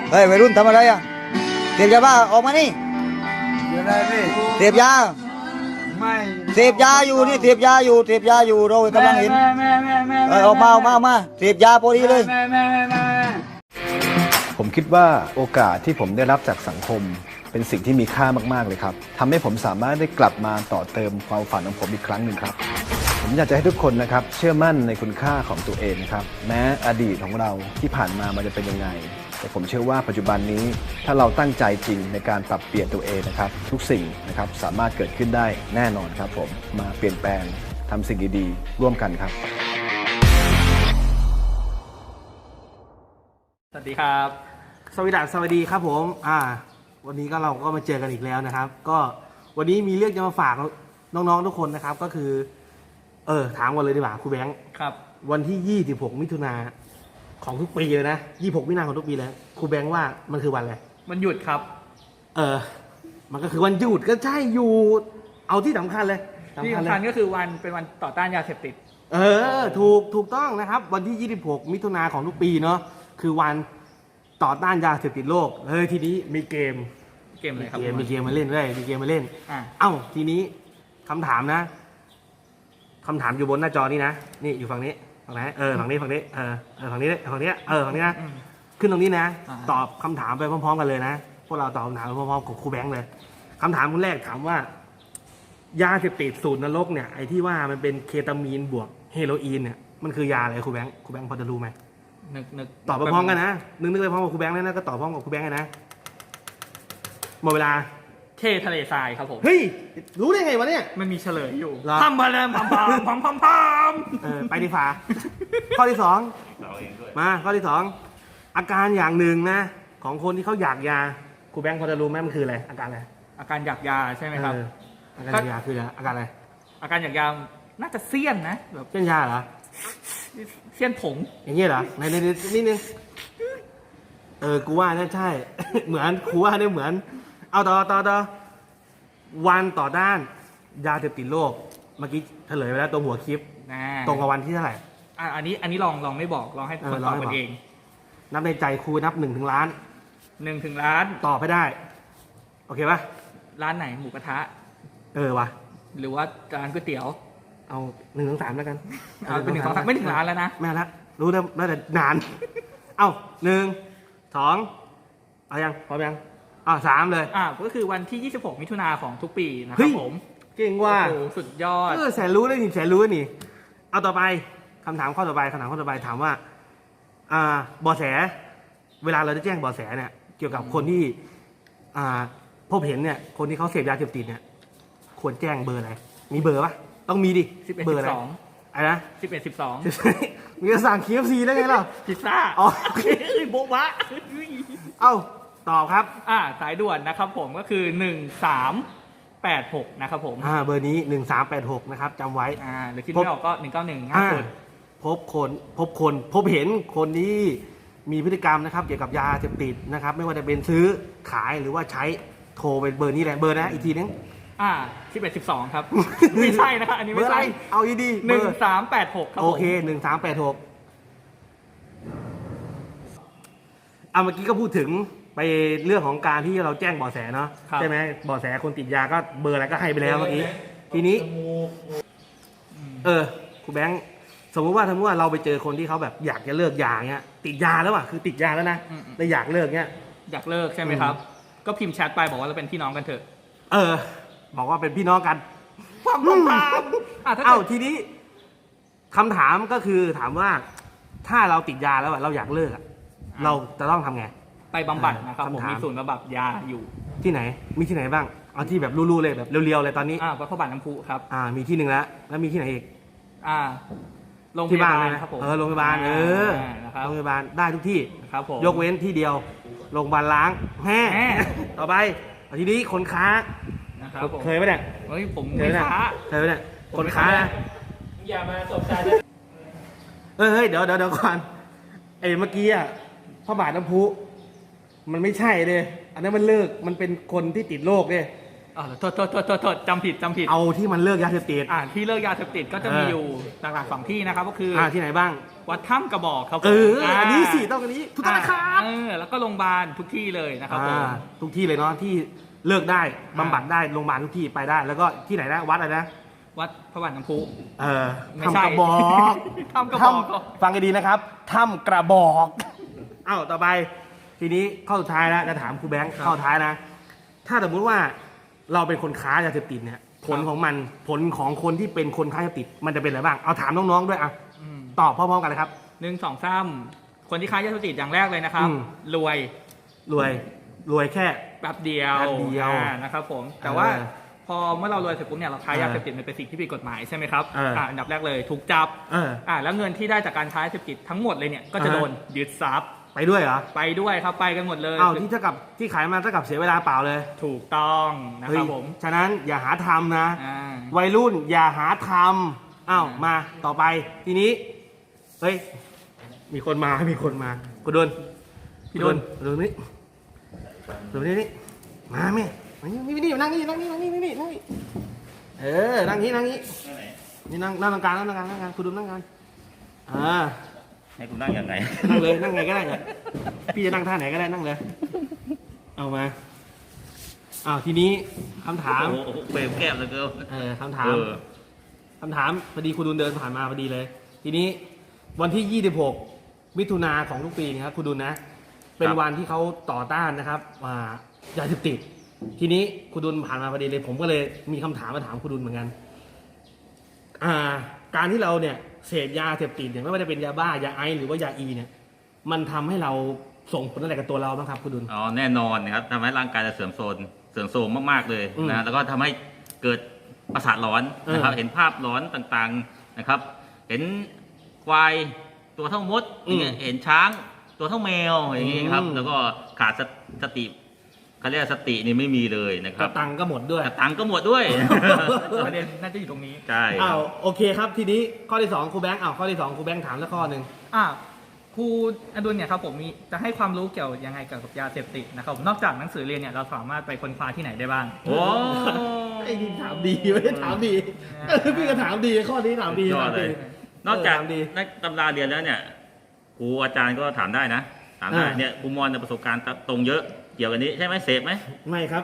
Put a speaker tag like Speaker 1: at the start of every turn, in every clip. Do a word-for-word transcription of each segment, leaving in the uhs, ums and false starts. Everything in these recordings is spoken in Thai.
Speaker 1: เฮ้ยวัยรุ่นทำอะไรอ่ะเสพยาบ้าออกมานี่
Speaker 2: เดี๋ยวได้พี่
Speaker 1: เสพยา
Speaker 2: ไม่
Speaker 1: เสพยาอยู่นี่เสพยาอยู่เสพยาอยู่เรากำลังเห็น
Speaker 2: แม่แม่แม่แม่
Speaker 1: เออออกมาออกมาออกมาเสพยาพอดีเลย
Speaker 2: แม่แม่แม่แม่
Speaker 3: ผมคิดว่าโอกาสที่ผมได้รับจากสังคมเป็นสิ่งที่มีค่ามากๆเลยครับทำให้ผมสามารถได้กลับมาต่อเติมความฝันของผมอีกครั้งหนึ่งครับผมอยากจะให้ทุกคนนะครับเชื่อมั่นในคุณค่าของตัวเองนะครับแม้อดีตของเราที่ผ่านมามันจะเป็นยังไงแต่ผมเชื่อว่าปัจจุบันนี้ถ้าเราตั้งใจจริงในการปรับเปลี่ยนตัวเองนะครับทุกสิ่งนะครับสามารถเกิดขึ้นได้แน่นอนครับผมมาเปลี่ยนแปลงทำสิ่งดีๆร่วมกันครับ
Speaker 4: สวัสดีครับ
Speaker 5: สวัสดีสวัสดีครับผมอ่าวันนี้ก็เราก็มาเจอกันอีกแล้วนะครับ ก็วันนี้มีเรื่องจะมาฝากน้องๆทุกคนนะครับก็คือเออถามกันเลยดีกว่าครูแบงค์
Speaker 4: ครับ
Speaker 5: วันที่ยี่สิบหกมิถุนาของทุกปีเลยนะยี่สิบหกมิถุนาของทุกปีเลยครูแบงค์ว่ามันคือวันอะไร
Speaker 4: มันหยุดครับ
Speaker 5: เออมันก็คือวันหยุดก็ใช่อยู่เอาที่สำคัญเลย
Speaker 4: ที่
Speaker 5: เล
Speaker 4: สำคัญ
Speaker 5: ย
Speaker 4: ก็คือวันเป็นวันต่อต้านยาเสพติด
Speaker 5: เออถูกถูกต้องนะครับวันที่ยี่สิบหกมิถุนาของทุกปีเนาะคือวันต่อต้านยาเสพติดโลกเฮ้ยทีนี้มีเกม
Speaker 4: เกมอะไรครับ
Speaker 5: มีเกมมีเกมมาเล่นด้วยมีเกมมาเล่น
Speaker 4: อ่า
Speaker 5: เอ้าทีนี้คำถามนะคำถามอยู่บนหน้าจอนี่นะนี่อยู่ฝั่งนี้ฝั่งไหนเออฝั่งนี้ฝั่งนี้เออเออฝั่งนี้ฝั่งนี้เออฝั่งนี้นะ
Speaker 4: อืม
Speaker 5: ขึ้นตรงนี้นะ
Speaker 4: อ่า
Speaker 5: ตอบคำถามไปพร้อมๆกันเลยนะพวกเราตอบคำถามไปพร้อมๆกับครูแบงค์เลยคำถามคนแรกถามว่า ยาเสพติดสูตรนรกเนี่ยไอ้ที่ว่ามันเป็นเคตามีนบวกเฮโรอีนเนี่ยมันคือยาอะไรครูแบงค์ครูแบงค์พอจะรู้ไหม
Speaker 4: นึกนึก
Speaker 5: ตอบไปพร้อมกันนะนึกนึกไปพร้อมกับครูแบงค์แล้วนะก็ตอบพร้อมกับครูแบงค์เลยนะหมดเวลา
Speaker 4: เททะเลทรายครับผม
Speaker 5: เฮ้ยรู้ได้ไงวะเนี่ย
Speaker 4: มันมีเฉลยอยู่
Speaker 5: เหรอ
Speaker 4: พัมพะเลมพัมพัมพัมพัมพัม
Speaker 5: เออไปดีฟ้า ข้อที่สองมาข้อที่สองอาการอย่างหนึ่งนะของคนที่เขาอยากยาครูแบงค์พอจะรู้ไหมมันคืออะไรอาการอะไร
Speaker 4: อาการอยากยาใช่ไหมครับ
Speaker 5: เอออาการอยากยาคืออะไรอาการอะไร
Speaker 4: อาการอยากยาน่าจะเสี้ยนนะแบบ
Speaker 5: เช่นยาเหรอ
Speaker 4: เสี้ยนผง
Speaker 5: อย่างเงี้ยเหรอในในในนิดนึงเออกูว่าน่าใช่ เหมือนกูว่าเนี่ยเหมือน เอาต่อต่อต่อวันต่อด้านยาเสพติดโลกเมื่อกี้เฉลยไปแล้วตรงหัวคลิป
Speaker 4: นะ
Speaker 5: ตรงกับวันที่เท่าไหร่
Speaker 4: อ่ะอันนี้อันนี้ลองลองไม่บอกลองให้
Speaker 5: เออ
Speaker 4: คน
Speaker 5: ล
Speaker 4: ต
Speaker 5: อ
Speaker 4: อง บ
Speaker 5: ให้
Speaker 4: กั
Speaker 5: บอก
Speaker 4: นเอง
Speaker 5: นับในใจครูนับหนึ่งถึงล้าน
Speaker 4: หนึ่งถึงล้าน
Speaker 5: ตอบให้ได้ โอเคปะ
Speaker 4: ร้านไหนหมูกระทะ
Speaker 5: เออวะ
Speaker 4: หรือว่าร้านก๋วยเตี๋ยว
Speaker 5: เอาหนึ่งถึงสามแล้วกัน
Speaker 4: เอาเป็นหนึ่งสองสามไม่ถึงล้านแล้วนะ
Speaker 5: แม่ละรู้แล้วน่าจะนาน เอ้าหนึ่งสองเอายังพร้อมยังอ่าสามเลย
Speaker 4: อ่าก็คือวันที่ ยี่สิบหก มิถุนาของทุกปีนะค
Speaker 5: เฮ้
Speaker 4: รับ
Speaker 5: ย
Speaker 4: ผม
Speaker 5: เก่งว่า
Speaker 4: โอ้โหสุดยอด
Speaker 5: เออแสนรู้ได้นี่แสนรู้นี่ เอาต่อไปคำถามข้อต่อไปคำถามข้อต่อไปถามว่า อ่าเบาะแส เวลาเราจะแจ้งเบาะแสเนี่ย เกี่ยวกับคนที่ อ่าพบเห็นเนี่ย คนที่เขาเสพยาเสพติดเนี่ย ควรแจ้งเบอร์อะไร มีเบอร์ปะต้องมีดิ
Speaker 4: สิบเอ็ด
Speaker 5: เบอร์อะไร
Speaker 4: สิบสอง
Speaker 5: อะไรนะ
Speaker 4: สิบเอ็ดสิบสอง
Speaker 5: มีจะสั่ง เค เอฟ ซี ได้ไงล่ะ
Speaker 4: พิซซ่า
Speaker 5: อ๋อ
Speaker 4: โอเคเอ้ยโบ๊ะบะ
Speaker 5: เอ้าตอบครับ
Speaker 4: อ่าสายด่วนนะครับผมก็คือหนึ่งสามแปดหกนะครับผม
Speaker 5: อ่าเบอร์นี้หนึ่งสามแปดหกนะครับจำไว้
Speaker 4: อ่าหรือคิดไม่ออกก็หนึ่งเก้าหนึ่งง่าย
Speaker 5: อ่า
Speaker 4: สุด
Speaker 5: พบคนพบคนพบเห็นคนที่มีพฤติกรรมนะครับ เกี่ยวกับยาเสพติดนะครับ ไม่ว่าจะเป็นซื้อขายหรือว่าใช้โทรไปเบอร์นี้แหละเบอร์นะอีกทีนึง
Speaker 4: อ่าสิบเอ็ดสิบสองครับ ไม่ใช่นะครับอันนี้
Speaker 5: เบอ
Speaker 4: ไม่
Speaker 5: ร์อะไร
Speaker 4: ใช่
Speaker 5: เอาดีๆ
Speaker 4: หนึ่ง
Speaker 5: เบอร์
Speaker 4: สามแปดหกครับ
Speaker 5: โอ
Speaker 4: ผม
Speaker 5: เคหนึ่งสามแปดหกเอาเมื่อกี้ก็พูดถึงไปเรื่องของการที่เราแจ้งเบาะแสเนาะใช่ไหมเบาะแสคนติดยาก็เบอร์อะไรก็ให้ไปแล้วเมื่อกี้ทีนี้ เออครูแบงค์สมมติว่าสมมติว่าเราไปเจอคนที่เขาแบบอยากจะเลิกยาเงี้ยติดยาแล้วอ่ะคือติดยาแล้วนะแต่อยากเลิกเงี้ย
Speaker 4: อยากเลิกใช่ไหมครับ ก็พิมพ์แชทไปบอกว่าเราเป็นพี่น้องกันเถอะ
Speaker 5: เออ บอกว่าเป็นพี่น้องกัน
Speaker 4: ความความความอ่าถ้า
Speaker 5: เอ้า
Speaker 4: เกิด
Speaker 5: ทีนี้คำถามก็คือถามว่าถ้าเราติดยาแล้วอะเราอยากเลิกอะเราจะต้องทำไง
Speaker 4: ไปบำบัดนะครับผม
Speaker 5: คำถาม
Speaker 4: มีศูนย์บำบัดยาอยู่
Speaker 5: ที่ไหน มีที่ไหนบ้างเอาที่แบบรู้ๆเลยแบบเรียวๆเลยตอนนี้
Speaker 4: อ่าวัดพระบาทน้ำพุครับ
Speaker 5: อ่า มีที่หนึ่งแล้วแล้วมีที่ไหนอีก
Speaker 4: อ่าโรงพ
Speaker 5: ที่
Speaker 4: ยา
Speaker 5: บ้าน
Speaker 4: บาล
Speaker 5: เลยนะครับ
Speaker 4: ผม
Speaker 5: เออโรงพยาบาลเออ
Speaker 4: นะครับ
Speaker 5: โรงพยาบาลได้ทุกที่
Speaker 4: ครับผม
Speaker 5: ยกเว้นที่เดียวโรงพยาบาลล้างแห่
Speaker 4: แห่
Speaker 5: ต่อไปเอาทีนี้คนค้า
Speaker 4: นะครับผม
Speaker 5: เคยไหมเนี่ย
Speaker 4: เฮ้ยผม
Speaker 5: เคย
Speaker 4: ไม่
Speaker 5: ไหมเนี่ย
Speaker 4: ค้า
Speaker 5: เคยไหมเนี่ย
Speaker 4: ผม
Speaker 5: คน
Speaker 4: ไม่
Speaker 5: ค้า
Speaker 4: ค้า
Speaker 5: นะ
Speaker 4: อย่ามาสบตา
Speaker 5: เฮ้ยเฮ้ยเดี๋ยวเดี๋ยวเดี๋ยวก่อนไอ้เมื่อกี้อ่ะพระบาทน้ำพุมันไม่ใช่เลยอันนั้นมันเลิกมันเป็นคนที่ติดโรคเลย
Speaker 4: อ๋อโทษโทษโทษโทษโทษจำผิดจำผิด
Speaker 5: เอาที่มันเลิกยาเสพติด
Speaker 4: อ่าที่เลิกยาเสพติดก็จะมี
Speaker 5: เออ
Speaker 4: อยู่หลักๆสองที่นะครับก็คือ
Speaker 5: อ่าที่ไหนบ้าง
Speaker 4: วัดถ้ำกระบอกครับผม
Speaker 5: เอออันนี้สิต้องอันนี้ทุกท่านนะครับ
Speaker 4: เออแล้วก็โรงพยาบาลทุกที่เลยนะครับผม
Speaker 5: อ่าทุกที่เลยเนาะที่เลิกได้บำบัดได้โรงพยาบาลทุกที่ไปได้ แล้วก็ที่ไหนนะวัดอะไรนะ
Speaker 4: วัดพระบาทน้ำพุ
Speaker 5: เออ
Speaker 4: ไม่ใช่
Speaker 5: ทำกระบอก
Speaker 4: ถ้ำกระบอก
Speaker 5: ถ้ำฟังกันดีนะครับถ้ำกระบอกเอ้าต่อไปทีนี้ข้อสุดท้ายแล้วจะถามครูแบงค์ข้อสุดท้ายนะ ถ้าสมมติว่าเราเป็นคนค้ายาเสพติดเนี่ยผลของมันผลของคนที่เป็นคนค้ายาเสพติดมันจะเป็นอะไรบ้างเอาถามน้องๆด้วยอ่ะ
Speaker 4: อืม
Speaker 5: ตอบพร้อมๆกันเลยครับ
Speaker 4: หนึ่งสองสามคนที่ค้ายาเสพติดอย่างแรกเลยนะครับ
Speaker 5: อืม
Speaker 4: รวย
Speaker 5: รวยรวยแค่
Speaker 4: แป๊บเดียว
Speaker 5: แป๊บเดียว
Speaker 4: อ่านะครับผมแต่ว่า
Speaker 5: เออ
Speaker 4: พอเมื่อเรารวยเสร็จปุ๊บเนี่ยเราค้ายาเสพติดมันเป็นสิ่งที่ผิดกฎหมายใช่ไหมครับ
Speaker 5: เอออ่
Speaker 4: าอันดับแรกเลยถูกจับ
Speaker 5: เออ
Speaker 4: อ่าแล้วเงินที่ได้จากการค้ายาเสพติดทั้งหมดเลยเนี่ยก็จะ
Speaker 5: อ่าฮะ
Speaker 4: โดนยึดทรัพย์
Speaker 5: ไปด้วยเหรอ
Speaker 4: ไปด้วยครับไปกันหมดเลย
Speaker 5: เอ้าที่เท่ากับที่ขายมาเท่ากับเสียเวลาเปล่าเลย
Speaker 4: ถูกต้องนะครับผม
Speaker 5: เฮ้ยฉะนั้นอย่าหาทำนะ
Speaker 4: อ่า
Speaker 5: วัยรุ่นอย่าหาทำอ้าว
Speaker 4: อ่าม
Speaker 5: มาต่อไปทีนี้เฮ้ยมีคนมามีคนมาคุณดน
Speaker 4: พี่ดน
Speaker 5: คุณดนนี่ดนนี่นี่มาแม่มานี่นี่นี่นั่งนี่นั่งนี่นั่งนี่นั่งนี่นั่งนี่เออนั่งนี่นั่งนี่นี่นั่งนั่งตรงกลางนั่งตรงกลางนั่งกลางคุณดนนั่งกลางอ่า
Speaker 1: ให้กูนั่งยังไง
Speaker 5: นั่งเลยนั่งไงก็ได้เนี่ยพี่จะนั่งท่าไหนก็ได้นั่งเลย เอามาอ้าวทีนี้คำถาม
Speaker 1: โอ้โหเฟรมแก้มเลยเกิน
Speaker 5: เออคำถาม
Speaker 1: เออ
Speaker 5: คำถามพอดีคุณดุลเดินผ่านมาพอดีเลย ทีนี้วันที่ยี่สิบหกมิถุนาของทุกปีนะครับคุณดุลนะ เป็นวันที่เขาต่อต้านนะครับว่ายาเสพติด ทีนี้คุณดุลผ่านมาพอดีเลย ผมก็เลยมีคำถามมาถามคุณดุลเหมือนกันอ่าการที่เราเนี่ยเสพยาเสพติดเนี่ยไม่ว่าจะเป็นยาบ้ายาไอซ์หรือว่ายาอีเนี่ย มันทำให้เราส่งผลอะไรกับตัวเราบ้างครับคุณดุล
Speaker 1: อ๋อแน่นอนนะครับทำให้ร่างกายจะเสื่อมโทรมเสื่อมโทรมมากๆเลย
Speaker 5: อืม
Speaker 1: นะแล้วก็ทำให้เกิดประสาทหลอนนะครับ
Speaker 5: เออ
Speaker 1: เห็นภาพหลอนต่างๆนะครับ เห็นควายตัวเท่ามด
Speaker 5: อืม
Speaker 1: เห็นช้างตัวเท่าแมวอย่างนี้ครับ
Speaker 5: อืม
Speaker 1: แล้วก็ขาดสสติเขาเรียกว่าสตินี่ไม่มีเลยนะค
Speaker 5: ก
Speaker 1: รั
Speaker 5: ระ
Speaker 1: บ
Speaker 5: ตังก็หมดด้วย
Speaker 1: กระตังก็หมดด้วย
Speaker 4: ประเด็นน่าจะอยู่ตรงนี้
Speaker 1: ใช่ค
Speaker 5: อ้า
Speaker 1: รั
Speaker 5: ว
Speaker 1: บ
Speaker 5: โอเคครับทีนี้ข้อที่สองครูแบงค์อ้าวข้อที่สองครูแบงค์ถามสักข้อหนึ่ง
Speaker 4: อ่าครูอดุลเนี่ยครับผมมีจะให้ความรู้เกี่ยวยังไงเกี่ยวกับยาเสพติดนะครับผมนอกจากหนังสือเรียนเนี่ยเราสามารถไปค้นคว้าที่ไหนได้บ้าง
Speaker 1: โอ้
Speaker 5: ไอ้นี่ถามดีไม่ได้ถามดี
Speaker 4: อ่า
Speaker 5: พี่ก็ถามดีข้อนี้ถามดี
Speaker 1: ยอด
Speaker 5: ถาม
Speaker 1: เล
Speaker 5: ดี
Speaker 1: ย นอกจาก
Speaker 5: เถามดี
Speaker 1: ในตำราเรียนแล้วเนี่ยครูอาจารย์ก็ถามได้นะถามได้
Speaker 5: อ่า
Speaker 1: เนี่ยครูมอนเนี่ยประสบการณ์ตรงเยอะเกี่ยวกับนี้ใช่ไหมเสพไหม
Speaker 5: ไม่ครับ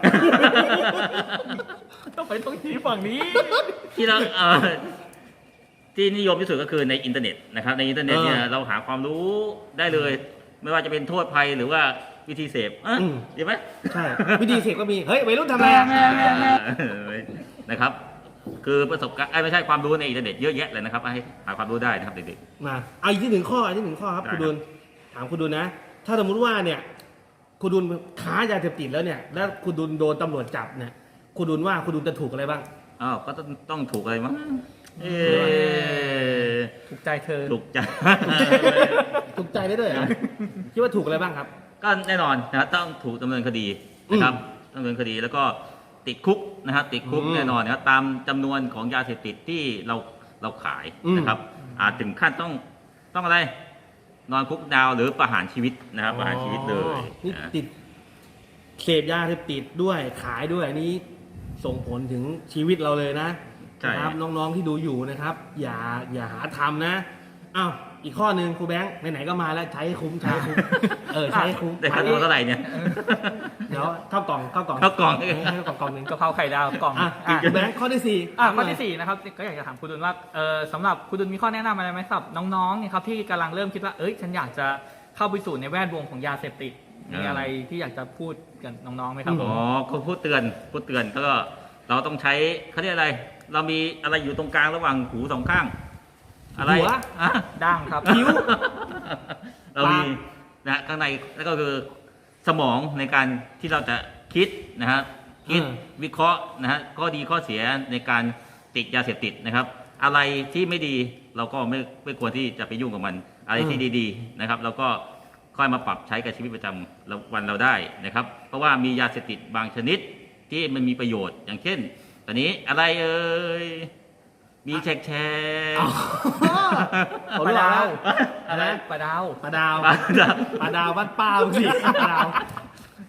Speaker 4: ต้องไปตรงที่ฝั่งนี้
Speaker 1: ที่เราเอ่อที่นิยมที่สุดก็คือในอินเทอร์เน็ตนะครับในอินเทอร์เน็ตเนี่ย
Speaker 5: เออ
Speaker 1: เราหาความรู้ได้เลย ไม่ว่าจะเป็นโทษภัยหรือว่าวิธีเสพอ่ะ
Speaker 5: อืม
Speaker 1: ดีไหม
Speaker 5: ใช่ วิธีเสกก็มี เฮ้ยวัยรุ่นทำอะไรอะ
Speaker 1: เออนะครับ คือประสบการณ์เอ้ยไม่ใช่ความรู้ในอินเทอร์เน็ตเยอะแยะเลยนะครับให้หาความรู้ได้นะครับเด็ก
Speaker 5: มาเอาอีกที่หนึ่งข้ออีกที่หนึ่งข้อครับ
Speaker 1: ได้
Speaker 5: คุณดุลถามคุณดุลนะ ถ้าสมมติว่าเนี่ยคุณดุลค้ายาเสพติดแล้วเนี่ย แล้วคุณดุลโดนตำรวจจับเนี่ยคุณดุลว่าคุณดุลจะถูกอะไรบ้าง
Speaker 1: ๆอ้าวก็ต้องต้องถูกอะไรมั้งเออ
Speaker 4: ถูกใจเธอ
Speaker 1: ถูกใจ
Speaker 5: ถูกใจได้ด้วยเหรอคิดว่าถูกอะไรบ้างครับ
Speaker 1: ก็แน่นอนนะครับต้องถูกดำเนินคดีนะครับดำเนินคดีแล้วก็ติดคุกนะครับติดคุก
Speaker 5: อืม
Speaker 1: แน่นอนนะครับตามจำนวนของยาเสพติดที่เราเราขาย
Speaker 5: อืม
Speaker 1: นะครับอาจถึงขั้นต้องต้องอะไร นอนคุกดาวหรือประหารชีวิตนะครับประหารชีวิตเลย
Speaker 5: อ๋อนี่
Speaker 1: นะ
Speaker 5: ติดเสพยาเสพติดด้วยขายด้วยอันนี้ส่งผลถึงชีวิตเราเลยนะ
Speaker 1: ใช่
Speaker 5: นะครับน้องๆที่ดูอยู่นะครับ อย่าอย่าหาทำนะอ้าวอีกข้อหนึ่งครูแบงค์ไหนๆก็มาแล้วใช้ให้คุ้มใช้ให้คุ้มเออใช้ให้คุ้ม
Speaker 1: ได้ค่าตัวเท่าไหร่เนี่ย
Speaker 5: เดี๋ยวเข้ากล่องเข้ากล่อง
Speaker 1: เข้ากล่อง
Speaker 5: ให้เข้ากล่องกล่องหนึ่ง
Speaker 4: กะเพราไข่ดาวกล่อง
Speaker 5: อ่ะ
Speaker 4: อ่ะ
Speaker 5: ครูแบงค์ข้อที่สี่
Speaker 4: อ่ะข้อที่สี่นะครับก็อยากจะถามคุณดุลว่าเออสำหรับคุณดุลมีข้อแนะนำอะไรไหมสำหรับน้องๆเนี่ยครับที่กำลังเริ่มคิดว่าเอ้ยฉันอยากจะเข้าไปสู่ในแวดวงของยาเสพติดมีอะไรที่อยากจะพูดกับน้องๆไหมครับผ
Speaker 1: อ๋
Speaker 4: ม
Speaker 1: อเขาพูดเตือนพูดเตือนก็เราต้องใช้เขาเรียกอะไร เรามีอะไรอยู่ตรงกลางระหว่างหูสองข้าง อะไร
Speaker 5: หัว
Speaker 1: อ่ะ
Speaker 4: ด่างครับ
Speaker 5: คิ้ว
Speaker 1: เรามีนะข้างในแล้วก็คือสมองในการที่เราจะคิดนะฮะคิด
Speaker 5: เออ
Speaker 1: วิเคราะห์นะฮะข้อดีข้อเสียในการติดยาเสพติดนะครับ อะไรที่ไม่ดีเราก็ไม่ไม่ควรที่จะไปยุ่งกับมัน อะไรที่ดีๆนะครับ เราก็ค่อยมาปรับใช้กับชีวิตประจำวันเราได้นะครับ เพราะว่ามียาเสพติดบางชนิดที่มันมีประโยชน์ อย่างเช่น ตอนนี้อะไรเอ่ยมีแชร์แชร์
Speaker 5: ผม
Speaker 4: ปลา
Speaker 5: รู้
Speaker 4: ดา
Speaker 5: แล้ว ว
Speaker 4: อะไรปลาดาว
Speaker 5: ปลาดาว
Speaker 1: ปลาดาว
Speaker 5: ปลาดาวบ้านป้ามึงสิปลาดาว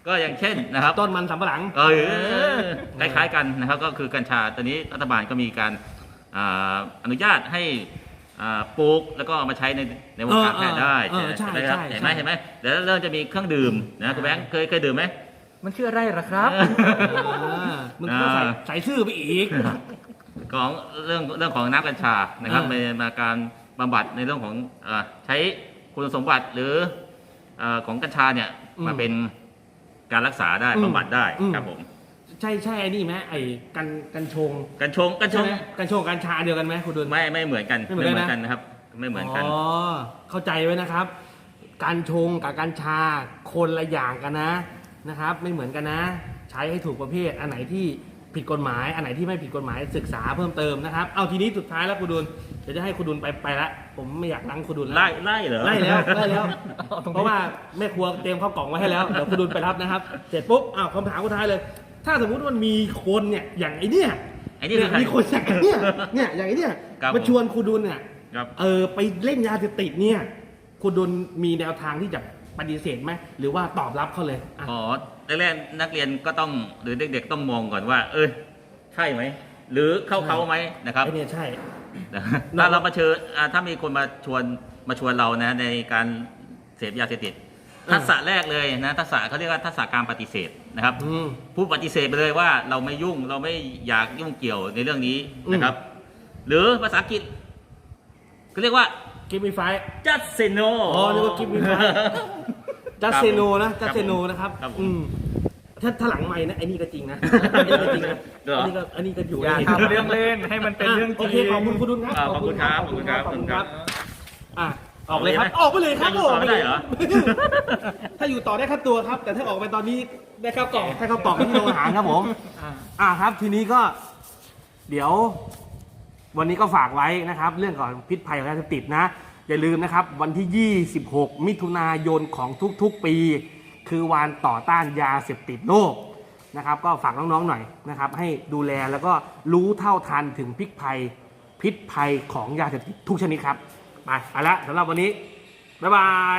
Speaker 1: ก็อย่างเช่นนะครับ
Speaker 5: ต้นมันสำปะหลัง
Speaker 1: เออคล้ายๆกันนะครับก็คือกัญชาตอนนี้รัฐบาลก็มีการอ่าอนุญาตให้อ่าปลูกแล้วก็เอามาใช้ในในวงการแพทย์ได้
Speaker 5: เออเออใช่
Speaker 1: ไหมครับ
Speaker 5: ใช่
Speaker 1: เห็นไหม
Speaker 5: ใช่
Speaker 1: เห็นไหมเดี๋ยวเริ่มจะมีเครื่องดื่มนะคุณแบงค์เคยเคยดื่มไหม
Speaker 4: มันชื่ออะไรล่ะครับ
Speaker 5: อ่ามึงก็ใส่
Speaker 1: อ่า
Speaker 5: ใส่ชื่อไปอีก
Speaker 1: ของเรื่องเรื่องของน้ำกัญชานะครับ
Speaker 5: อ่า
Speaker 1: ในมาการบำบัดในเรื่องของเอ่อใช้คุณสมบัติหรือเอ่อของกัญชาเนี่ยมาเป็นการรักษาได้บำบัดได้ครับผม
Speaker 5: ใช่ใช่ไอ้นี่ไหมไอ้กันกันชง
Speaker 1: กัญชงกัญช
Speaker 5: ใช่
Speaker 1: ง
Speaker 5: ไหมกันชงกัญชาเดียวกันไหมคุณดุล
Speaker 1: ไม่ไม่เหมือนกัน
Speaker 5: ไม่เหมือนกันนะ
Speaker 1: กันนะครับ ไม่เหมือนกัน
Speaker 5: อ๋อเข้าใจไว้นะครับ การชงกับกัญชาคนละอย่างกันนะนะครับ ไม่เหมือนกันนะ ใช้ให้ถูกประเภทอันไหนที่ผิดกฎหมาย อันไหนที่ไม่ผิดกฎหมายศึกษาเพิ่มเติมนะครับ เอาทีนี้สุดท้ายแล้วคุณดุลเดี๋ยวจะให้คุณดุลไปไปละผมไม่อยากนั่งคุณดุลแล้ว
Speaker 1: ไล่ไล่เหรอ
Speaker 5: ไล่แล้วไล่แล้ว
Speaker 4: เอาตรงนี้
Speaker 5: เพราะว่าแม่ครัวเตรียมข้าวกล่องไว้ให้แล้วเดี๋ยวคุณดุลไปรับนะครับ เสร็จปุ๊บอ้าวคำถามสุดท้ายเลย ถ้าสมมุติมันมีคนเนี่ยอย่างไอ้เนี่ย
Speaker 1: ไอ้นี่คือใคร
Speaker 5: มีคนอย่างไอ้เนี่ยเนี่ยอย่างไอ้เนี่ย
Speaker 1: ครับ
Speaker 5: มาชวนคุณดุลเนี่ย
Speaker 1: ครับ
Speaker 5: เออไปเล่นยาเสพติดเนี่ยคุณดุลมีแนวทางที่จะปฏิเสธไหมหรือว่าตอบรับเขาเลยอ่ะ
Speaker 1: อ๋อแรกๆนักเรียนก็ต้องหรือเด็กๆต้องมองก่อนว่า เออใช่ไหมหรือเข้าเขาไหมนะครับ
Speaker 5: ไอ้เนี่ยใช่
Speaker 1: ถ้าเรามาเชิญอ่าถ้ามีคนมาชวนมาชวนเรานะในการเสพยาเสพติด
Speaker 5: อืม
Speaker 1: ทักษะแรกเลยนะทักษะเขาเรียกว่าทักษะการปฏิเสธนะครับ
Speaker 5: อืม
Speaker 1: ผู้ปฏิเสธไปเลยว่าเราไม่ยุ่งเราไม่อยากยุ่งเกี่ยวในเรื่องนี้นะครับ หรือภาษาอังกฤษก็เรียกว่า
Speaker 5: กิฟมีไฟ
Speaker 1: just say no
Speaker 5: อ๋อนึกว่า give me five จัสเซโนนะจัสเซโนนะครับ
Speaker 1: ครับผม
Speaker 5: อืมถ้าถ้าหลังไม่นะไอ้นี่ก็จริงนะไอ้นี่ก็จริงนะ
Speaker 1: เหรอ
Speaker 5: อันนี้ก็อันนี้ก็อยู่
Speaker 4: อย่า
Speaker 5: ใน
Speaker 4: ทำเรื่องเล่นให้มันเป็นเรื่องจ
Speaker 5: โอ
Speaker 4: ริง
Speaker 5: เคขอบคุณคุณดุลครับ
Speaker 1: อ่าขอบคุณครับ
Speaker 5: ขอบคุณครับ
Speaker 1: ขอบคุณครับ
Speaker 5: อ่ะออกเลยครับออกไปเลยครับ
Speaker 1: จะอยู่ต่อไม่ได้เหรอ
Speaker 5: ถ้าอยู่ต่อได้ค่าตัวครับ แต่ถ้าออกไปตอนนี้ได้ข้าวกล่องให้ข้าวกล่องที่โรงอาหารครับผม
Speaker 4: อ่า
Speaker 5: อ่าครับทีนี้ก็เดี๋ยว วันนี้ก็ฝากไว้นะครับ เรื่องของพิษภัยของยาเสพติดนะ อย่าลืมนะครับ วันที่ ยี่สิบหก มิถุนายนของทุกๆปี คือวันต่อต้านยาเสพติดโลกนะครับ ก็ฝากน้องๆหน่อยนะครับ ให้ดูแลแล้วก็รู้เท่าทันถึงพิษภัยพิษภัยของยาเสพติดทุกชนิดครับไปเอาละสำหรับวันนี้บ๊ายบาย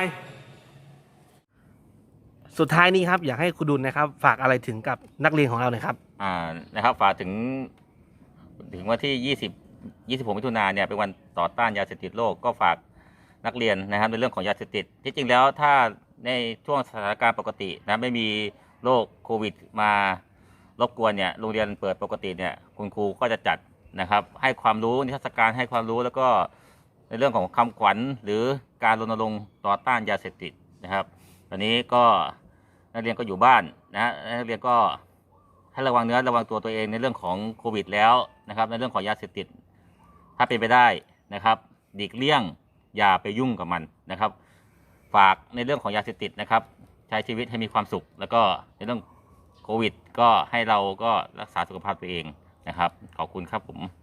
Speaker 5: สุดท้ายนี้ครับอยากให้คุณดุลนะครับ ฝากอะไรถึงกับนักเรียนของเราหน่อยครับ
Speaker 1: อ่านะครับฝากถึงถึงวันที่ ยี่สิบ ยี่สิบหก มิถุนายนเนี่ยเป็นวันต่อต้านยาเสพติดโลกก็ฝากนักเรียนนะครับในเรื่องของยาเสพติดที่จริงแล้วถ้าในช่วงสถานการณ์ปกตินะไม่มีโรคโควิดมารบกวนเนี่ยโรงเรียนเปิดปกติเนี่ยคุณครูก็จะจัดนะครับให้ความรู้นิทรรศการให้ความรู้แล้วก็ในเรื่องของคำขวัญหรือการรณรงค์ต่อต้านยาเสพติดนะครับตอนนี้ก็นักเรียนก็อยู่บ้านนะนักเรียนก็ให้ระวังเนื้อระวังตัวตัวเองในเรื่องของโควิดแล้วนะครับในเรื่องของยาเสพติดถ้าเป็นไปได้นะครับหลีกเลี่ยงอย่าไปยุ่งกับมันนะครับฝากในเรื่องของยาเสพติดนะครับใช้ชีวิตให้มีความสุขแล้วก็ในเรื่องโควิดก็ให้เราก็รักษาสุขภาพตัวเองนะครับขอบคุณครับผม